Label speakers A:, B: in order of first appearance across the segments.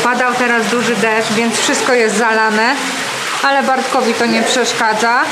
A: Padał teraz duży deszcz, więc wszystko jest zalane, ale Bartkowi to nie przeszkadza.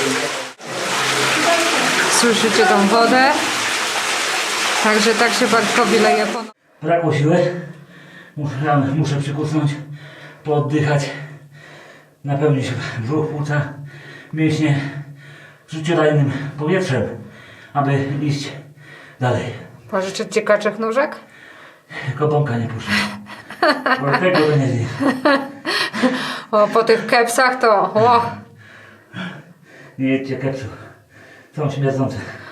A: Słyszycie tą wodę? Także tak się Bartkowi leje po...
B: Brakło siły. Muszę przykusnąć, pooddychać, napełnić brzuch, płuca, mięśnie życiodajnym powietrzem, aby iść dalej.
A: Pożyczyć ci kaczych nóżek?
B: Koponka nie puszczę. Bo tego to nie zje.
A: O, po tych kepsach to... O.
B: Nie jedźcie kepsów. Są śmierdzące.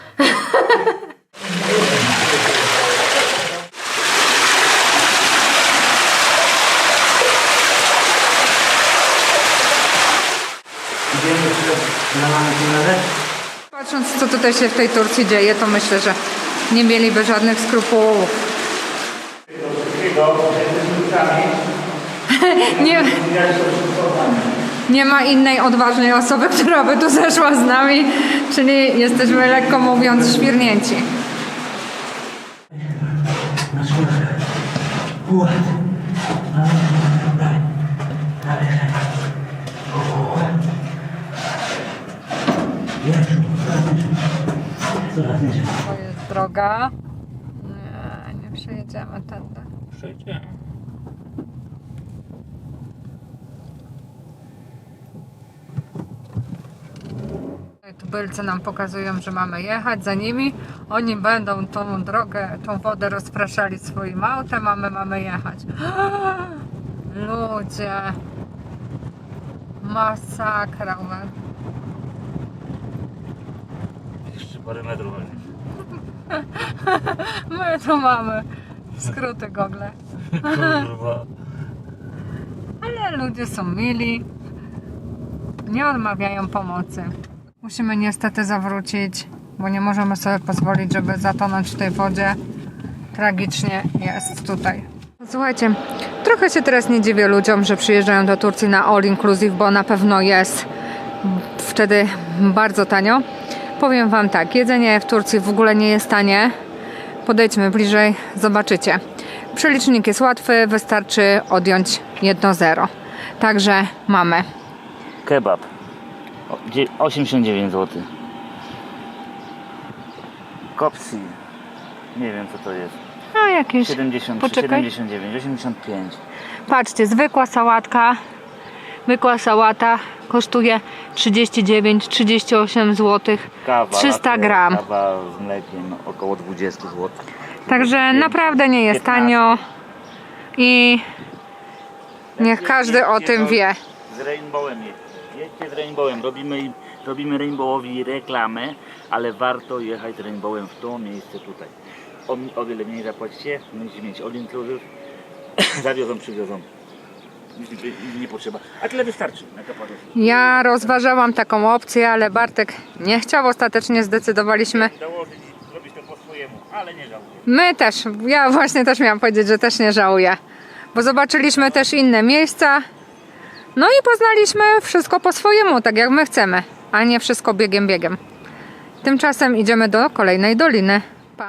A: Patrząc, co tutaj się w tej Turcji dzieje, to myślę, że nie mieliby żadnych skrupułów. Nie ma innej odważnej osoby, która by tu zeszła z nami, czyli jesteśmy, lekko mówiąc, świrnięci. To jest droga. Nie przejedziemy tędy.
B: Przejdziemy.
A: Tubylcy nam pokazują, że mamy jechać za nimi. Oni będą tą drogę, tą wodę rozpraszali swoim autem, a my mamy jechać. Ludzie. Masakra.
B: Jeszcze parę metrów.
A: My tu mamy skróty Google.
B: Kurwa.
A: Ale ludzie są mili. Nie odmawiają pomocy. Musimy niestety zawrócić, bo nie możemy sobie pozwolić, żeby zatonąć w tej wodzie. Tragicznie jest tutaj. Słuchajcie, trochę się teraz nie dziwię ludziom, że przyjeżdżają do Turcji na all inclusive, bo na pewno jest wtedy bardzo tanio. Powiem wam tak, jedzenie w Turcji w ogóle nie jest tanie. Podejdźmy bliżej, zobaczycie. Przelicznik jest łatwy, wystarczy odjąć 1 0. Także mamy
B: Kebab. 89 zł. Kopsi. Nie wiem co to jest.
A: no jakieś...
B: 70,
A: Poczekaj.
B: 79, 85.
A: Patrzcie, zwykła sałatka, zwykła sałata kosztuje 39-38 zł,
B: Kawa,
A: 300
B: latte,
A: gram.
B: Kawa z mlekiem około 20 zł.
A: Także naprawdę nie jest
B: 15.
A: tanio i niech każdy o tym wie.
B: Z Rainbowem jedźcie z Rainbowem. Robimy Rainbowowi reklamę, ale warto jechać z Rainbowem w to miejsce tutaj. O wiele mniej zapłacicie, musicie mieć all inclusive. Zawiozą, przywiozą. Nie potrzeba. A tyle wystarczy na Kapadocji.
A: Ja rozważałam taką opcję, ale Bartek nie chciał, ostatecznie zdecydowaliśmy.
B: Dołożyć, zrobić to po swojemu, ale nie żałuję.
A: My też, ja właśnie też miałam powiedzieć, że też nie żałuję, bo zobaczyliśmy też inne miejsca, no i poznaliśmy wszystko po swojemu, tak jak my chcemy, a nie wszystko biegiem. Tymczasem idziemy do kolejnej doliny. Pa.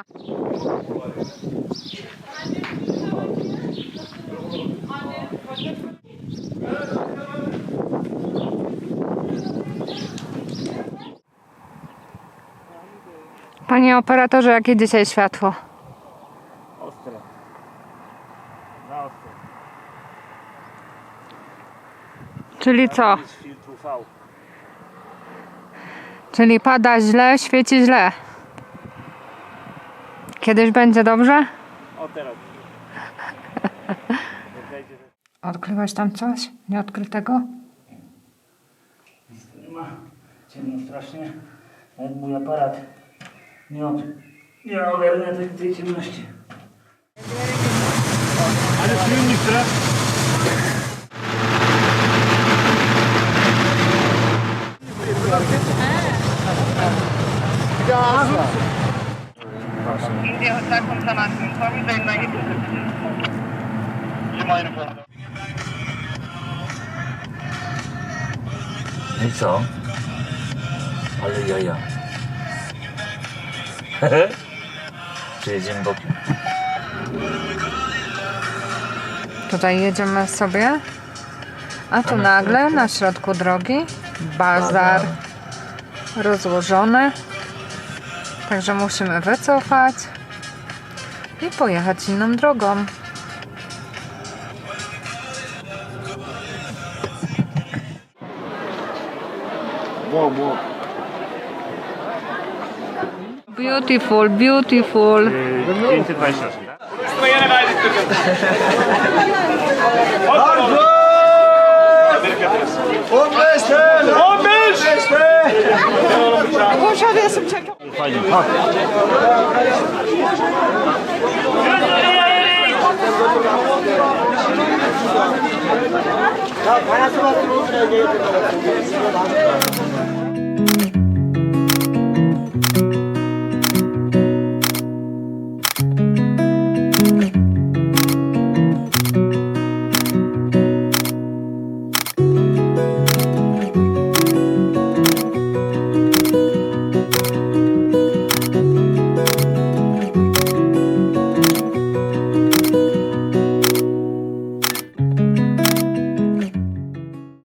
A: Panie operatorze, jakie dzisiaj światło?
B: Ostre. Na ostre.
A: Czyli co?
B: Z filtru V.
A: Czyli pada źle, świeci źle. Kiedyś będzie dobrze?
B: O teraz.
A: Odkryłeś tam coś nieodkrytego?
B: Nic tu nie ma. Ciemno strasznie. Jak mój aparat nie ogarnia tej ciemności. Ale silnik teraz? I co? Ale jaja. Przejedziemy bokiem.
A: Tutaj jedziemy sobie, a tu nagle na środku drogi bazar rozłożony. Także musimy wycofać i pojechać inną drogą. Beautiful, beautiful.
B: 520. Fajnie.
C: 자, 가야수가 들어오시네.